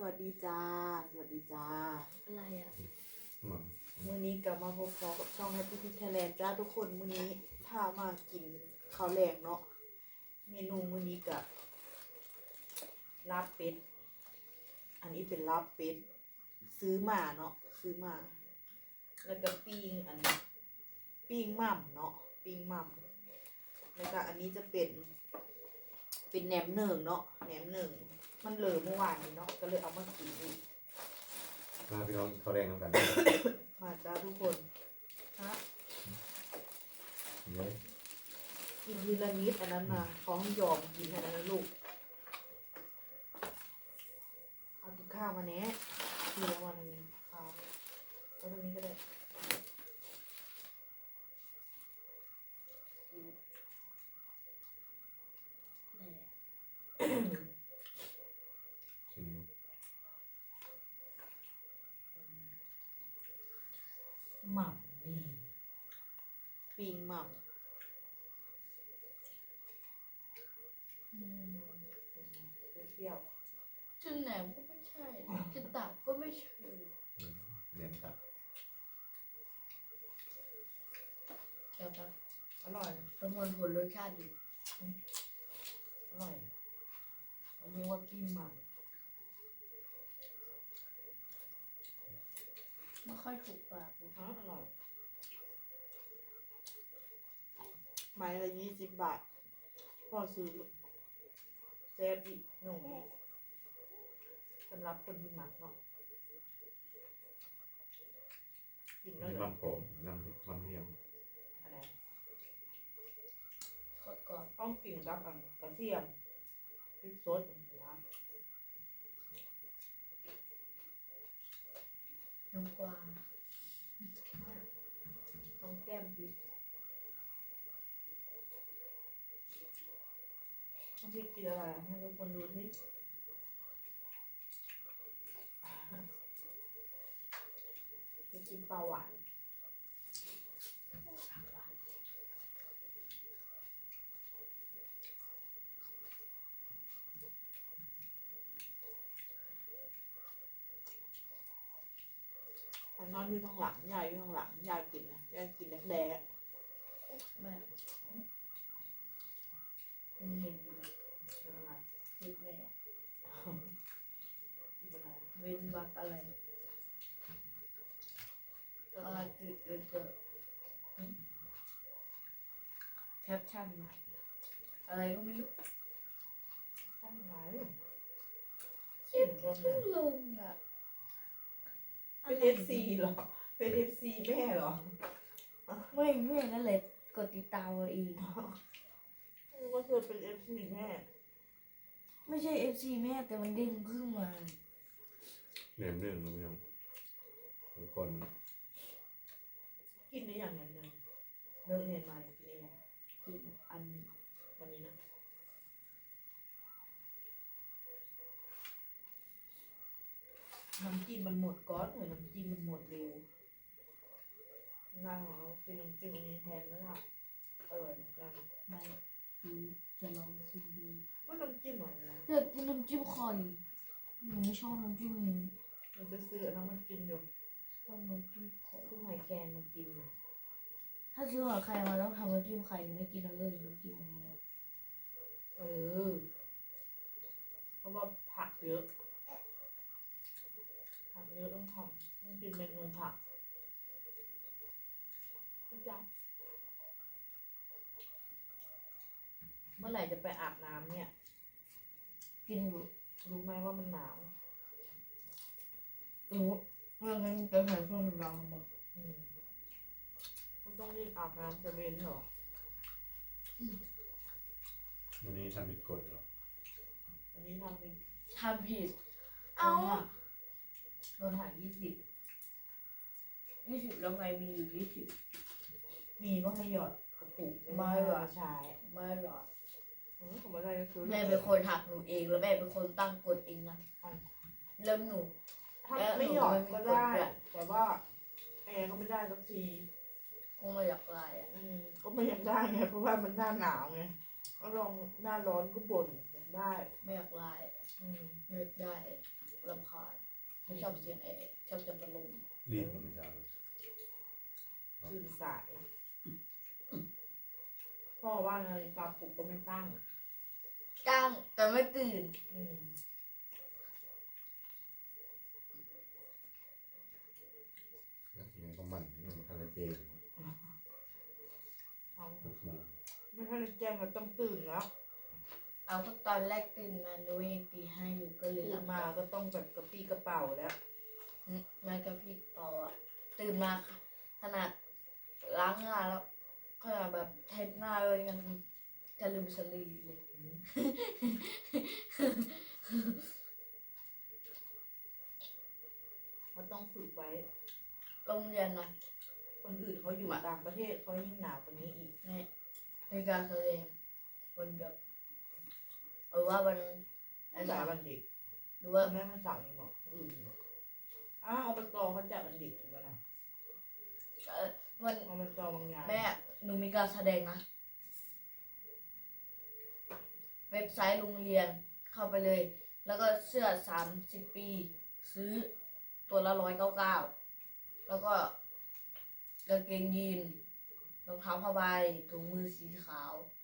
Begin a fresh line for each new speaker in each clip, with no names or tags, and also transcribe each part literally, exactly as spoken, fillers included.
วัสดีจ้าสวัสดีจ้า
อะไรอ่ะ
มื้อนี้กลับมาพบกับช่อง Happy Pig Thailand จ้าทุกคนมื้อนี้พามากินข้าวแรงเนาะเมนูมื้อนี้กับลาบเป็ดอันนี้เป็นลาบเป็ดซื้อมาเนาะซื้อมาแล้วก็ปิ้งอันนี้ปิ้งหม่ำเนาะปิ้งหม่ำแล้วก็อันนี้จะเป็นเป็นแหนมเนืองเนาะแหนมเนืองมันเหลือเมื่อวานนี้เนาะก็เลยเอามากินอีก
มาพี่น้องเขาแรงน้ำกัน
มาจ้าทุกคนฮะ
เลย
กินทีละนิดอันนั้นมาของยอมกินอันนั้นนะลูกเอากินข้าวมาแน่ทีละวันนึงข้าวแล้วตรงนี้ก็ได้
ได้แหละ
ชิมดู
หม่ำนี่ปิงหม่ำ
อืม
เปรี้ยว
จุนแหนมก็ไม่ใช่จุนตับก็ไม่ใช่
อืมเหนียมตับ
แก้วตับ
ๆอร่อย
ประมวลผลรสชาติอยู่
อร่อยอันนี้ว่าปิงหม่ำ
ไม่ค่อยถูกปากเลย
ฮะอร่อยไม้ละยี่สิบบาทพ่อซื้อแซ่บอีกหนุ่มอีกสำหรับคนที่มักเนาะกินแล้ว
มี
เหรอ
มันผมน้ำมันเทียม
อะไร
โคตรกรอบ
ต้องกินกับอันกระเทียมพริกสดนะ
น้ำปลา
ต้องแก้มพริกต้องพริกกินอะไรให้ทุกคนดูที่จะกินปลาหวานแต่นอนอยู่ข้างหลังยายอยู่ข้างหลังยายกินนะยายกินแดก
แม่คุณเห็นอยู่นะ
ๆอะไร
คิดแม่
กินอะไร
เว้นวรรคอะไรอะไรเกิดเกิดเกิดแคปชั่นมาอะไรก็ไม่รู้
ข้างไหน
เขียนเพิ่งลงอ่ะ
เป็นเอฟซีเหรอเป็นเอฟซีแม่เหรอ
ไม่ไม่นั่นเลยกดติดตามเราเอง
ว่าเธอเป็นเอฟซีแม่
ไม่ใช่เอฟซีแม่แต่มันเด้งขึ้นมา
เหนียมหนึ่งนะพี่น้องทุกคน
กินได้อย่างนั้นเลยเลิกเรียนมาเนี่ยกินได้ยัง
กินอันนี้
วันนี้นะน้ำจิ้มมันหมดก้อนเลยน้ำจิ้มมันหมดเร็วง่ายของเรากินน้ำจิ้มอันนี้แทนแล้วล่ะอร่อยเหมือนกัน
ไม่คือจะลองชิมดู
ว่าน้ำจิ้มอะไรนะ
อยากกินน้ำจิ้มไข่หนูไม่ชอบน้ำจิ้มนี้
มันจะซื้ออันนั้นมากินอยู่
ชอบน้ำจิ้มไข่
ทุกหอยแครงมากินอยู่
ถ้าซื้อหอยไข่มาต้องทำน้ำจิ้มไข่หนูไม่กินแล้วเลยน้ำจิ้มนี้แล้ว
เออเพราะว่าผักเยอะผักเยอะต้องทำต้องกินเมนูผักเข้าใจเมื่อไหร่จะไปอาบน้ำเนี่ย
กินอยู่
รู้ไหมว่ามันหนาว
รู้เรื่องนั้นจะใส่เครื่องสำอางหมด
อืมก็ต้องรีบอาบน้ำจะเว้นเหรอ
วันนี้ทำผิดกฎเหรอ
อันนี้ทำเป็น
ทำผิด
เอ้าโดนหายยี่สิบ
ยี่สิบแล้วไงมีอยู่ยี่สิบ
มีก็ให้หยอดกระปุก
ไม่หรอ
ใช้
ไม่หรอก
อืมผมไม่ได้ก็คือ
แม่เป็นคนหักหนูเองแล้วแม่เป็นคนตั้งกฎเองนะเริ่มหนู
ถ้าไม่หยอดก็ได้ แต่ว่าแอร์ก็ไม่ได้สักที
คงไม่อยากลายอ่ะ
อืมก็ไม่อยากได้ไงเพราะว่ามันหน้าหนาวไงก็ลองหน้าร้อนก็บ่นอยากได้
ไม่อยากลาย
อืม
ไม่อยากได้รำคาญไม่ชอบเสียงแอร์ชอบเสียงพัดลม
รีบไม่ใช่
ตื่นสาย พ่อว่านาฬิกาปลุกก็ไม่ตั้ง
จ้างแต่ไม่ตื่น
อืม
แล้วทีนี้ก็มันนี่มันทะเลเจน
เอา
หกโมง
ไม่ทันได้แจ้งก็ต้องตื่นแล้ว
เอาก็ตอนแรกตื่นมาหนูยังตีห้าอยู่ก็เลย
ตื่
หลั
น
บ
มาก็ต้องแบบกระปี้กระเป๋าแล้ว
แม่กับพี่ปออะตื่นมาขนาดล้างหน้าแล้วขนาดแบบเทหน้าเลยยังจะลืมสลีเลย
เขาต้องฝึกไว้
โรงเรียนนะ
คนอื่นเขาอยู่ต่างประเทศเขายิ่งหนาวกว่านี้อีก
ในในการแสดงวันแบบหรือว่าวันอัน
จ่า
สาย ม
วันเด็ก
หรือว่า
แม่มันสั่งนี่บอกอื่นบอกอ้าวอบตเขาจัดวันเด็กถูกไหมนะ
เอ่อวัน
อบตบางอย่าง
แม่หนูมีการแสดงนะ เว็บไซต์โรงเรียนเข้าไปเลย แล้วก็เสื้อสามสิบปี ซื้อตัวละร้อยเก้าเก้าแล้วก็กางเกงยีนรองเท้าผ้าใบถุงมือสีขาว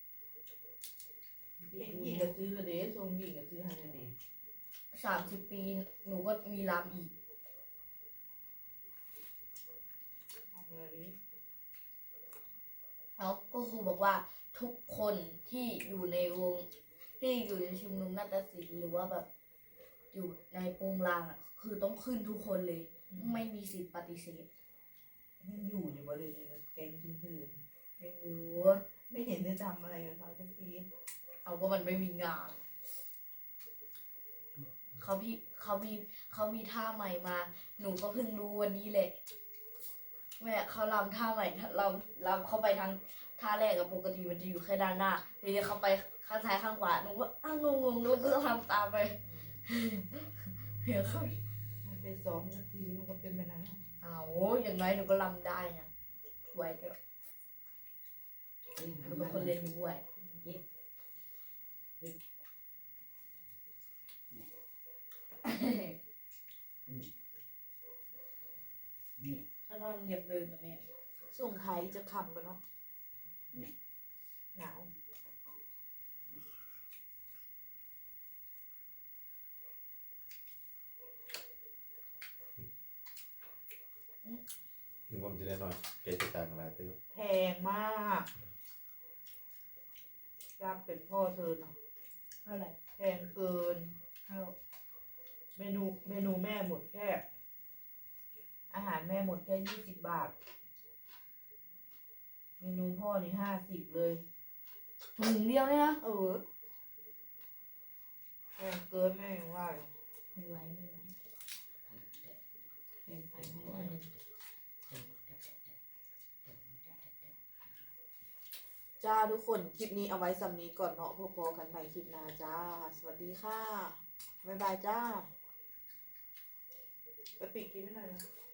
เด็กหญิงก็ซื้อละเด้ทรงหญิงก็ซื้อให้ละเด้
สามสิบปี หนูก็มีรำอีก
ทำอะไรนี้
แล้วก็ครูบอกว่าทุกคนที่อยู่ในวงที่อยู่ในชุมนุมนาฏศิลป์หรือว่าแบบอยู่ในโปรงลางอ่ะคือต้องขึ้นทุกคนเลย ไม่มีสิทธิ์ปฏิเสธ
มันอยู่อยู่บริเวณนี้แกงซื่อ
ไม่รู้
ๆไม่เห็นได้ทำอะไรกับเขาสักที
เอาก็มันไม่มีงานเขาพี่เขามีเขามีท่าใหม่มา หนูก็เพิ่งรู้วันนี้แหละแม่เขาลำท่าใหม่เราลำเข้าไปทางท่าแรกกับปกติมันจะอยู่แค่ด้านหน้าทีนี้เขาไปข้างซ้ายข้างขวาหนูก็อ้าวงงๆแล้วก็ทำตามไปเดี๋ยวเขา
มันไปซ้อมสักทีมันก็เป็นแบบนั้นอะ
เอาอย่างน้อยหนูก็ลำได้นะไว้ก็หนูเป็นคนเล่นด้วยถ้าเราเหยียบเดินนะแม่
ส่งไทยจะคำกันเนาะหนาว
นึกว่ามันจะได้นอนเกจการอะไรตื้อ
แพงมากรับเป็นพ่อเธอเนาะ
เท่าไหร่
แพงเกิน
เท่า
เมนูเมนูแม่หมดแค่ อาหารแม่หมดแค่ยี่สิบบาท เมนูพ่อนี่ห้าสิบเลย
ถุงเดียวเนี่ยนะ
เออแพงเกินแม่ยังว่าอยู่
ไม่ไหวไม่ไหวเป็นไปไม่ไหว
จ้าทุกคนคลิปนี้เอาไว้สำนี้ก่อนเนาะพอๆกันใหม่คลิปหน้าจ้า สวัสดีค่ะ บ๊ายบายจ้า ไปปิดคลิปไม่หน่อยนะ